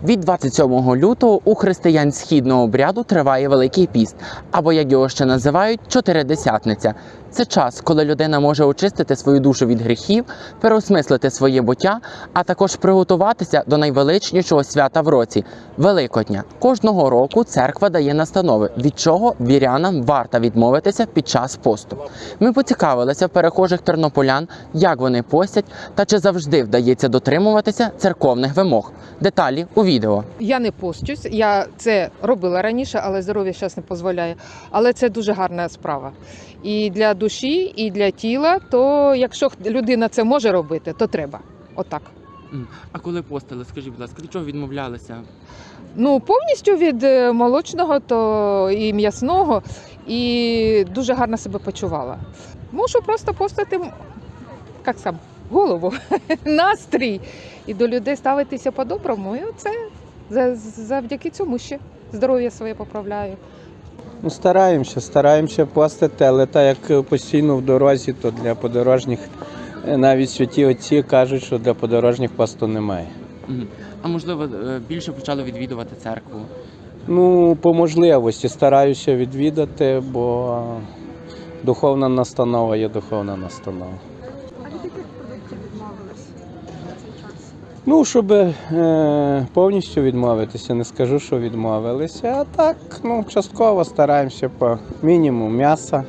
Від 27 лютого у християн східного обряду триває Великий піст, або, як його ще називають, Чотиридесятниця. Це час, коли людина може очистити свою душу від гріхів, переосмислити своє буття, а також приготуватися до найвеличнішого свята в році – Великодня. Кожного року церква дає настанови, від чого вірянам варто відмовитися під час посту. Ми поцікавилися в перехожих тернополян, як вони постять та чи завжди вдається дотримуватися церковних вимог. Деталі у відео. Я не постюсь, я це робила раніше, але здоров'я зараз не дозволяє. Але це дуже гарна справа. І для душі, і для тіла, то якщо людина це може робити, то треба. Отак. А коли постили, скажіть, будь ласка, від чого відмовлялися? Ну, повністю від молочного то і м'ясного, і дуже гарно себе почувала. Можу просто постити, як сам, голову, настрій, і до людей ставитися по-доброму. І оце завдяки цьому ще здоров'я своє поправляю. Ну, стараємося постити, але так як постійно в дорозі, то для подорожніх, навіть святі отці кажуть, що для подорожніх посту немає. А можливо, більше почали відвідувати церкву? Ну, по можливості стараюся відвідати, бо духовна настанова є духовна настанова. А від яких продуктів відмовились на цей час? Ну, щоб повністю відмовитися, не скажу, що відмовилися, а так, ну, частково стараємося по мінімуму м'яса,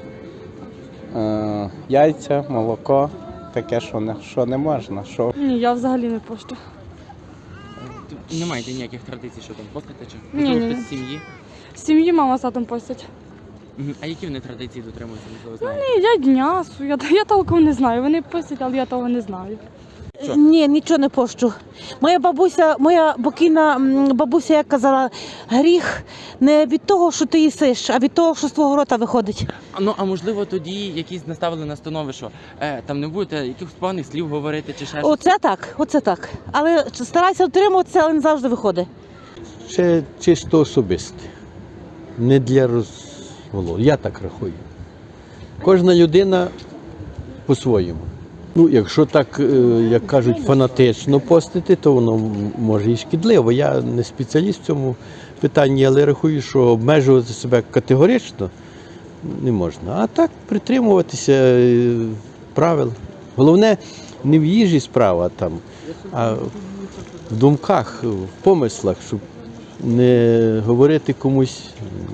яйця, молоко, таке, що не можна. Що... Ні, я взагалі не пощу. Не маєте ніяких традицій, що там постите? Чи Ні. хтось з сім'ї? З сім'ї мама з татом постять. А які вони традиції дотримуються, можливо, знаєте? Ні, їдять м'ясо, я толком не знаю. Вони постять, але я того не знаю. Що? Ні, нічого не пощу. Моя покійна бабуся, як казала, гріх не від того, що ти їсиш, а від того, що з твого рота виходить. А можливо тоді якісь наставили настанови, що там не будете якихось поганих слів говорити чи ще щось? Оце так. Але старайся утримуватися, але не завжди виходить. Це чисто особисте, не для розголосу. Я так рахую. Кожна людина по-своєму. Ну, якщо так, як кажуть, фанатично постити, то воно може і шкідливо. Я не спеціаліст в цьому питанні, але рахую, що обмежувати себе категорично не можна. А так притримуватися правил. Головне, не в їжі справа там, а в думках, в помислах, щоб не говорити комусь,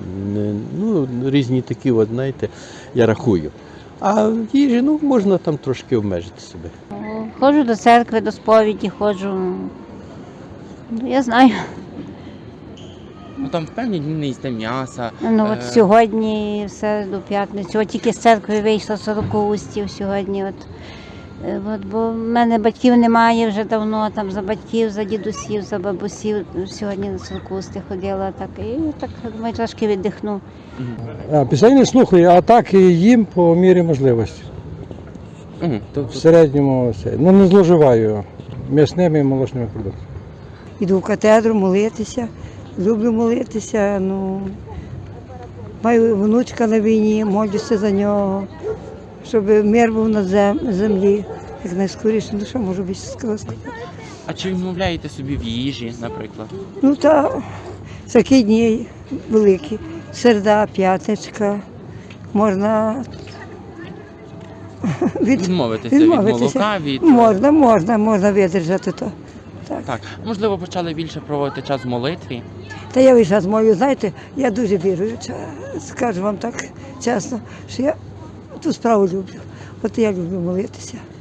різні такі, знаєте, я рахую. А в їжі, можна там трошки обмежити себе. Ходжу до церкви, до сповіді, ходжу. Я знаю. Там в певні дні не їсте м'яса. От сьогодні, все до п'ятниці. От тільки з церкви вийшло 40 устів сьогодні. Бо в мене батьків немає вже давно, там за батьків, за дідусів, за бабусів. Сьогодні на 40 усти ходила. Думаю, трошки віддихну. Пісень не слухаю, а так і їм по мірі можливості. В середньому не зловживаю м'ясними і молочними продуктами. Іду в катедру молитися, люблю молитися. Маю внучка на війні, молюся за нього, щоб мир був на землі. Як найскоріше, що можу більше сказати. А чи відмовляєте собі в їжі, наприклад? Такі дні великі. Середа, п'ятничка, можна Відмовитися від молока, від... Можна видержати то. Так. Можливо, почали більше проводити час в молитві? Та я весь час молю, знаєте, я дуже віруюча, скажу вам так чесно, що я ту справу люблю. От я люблю молитися.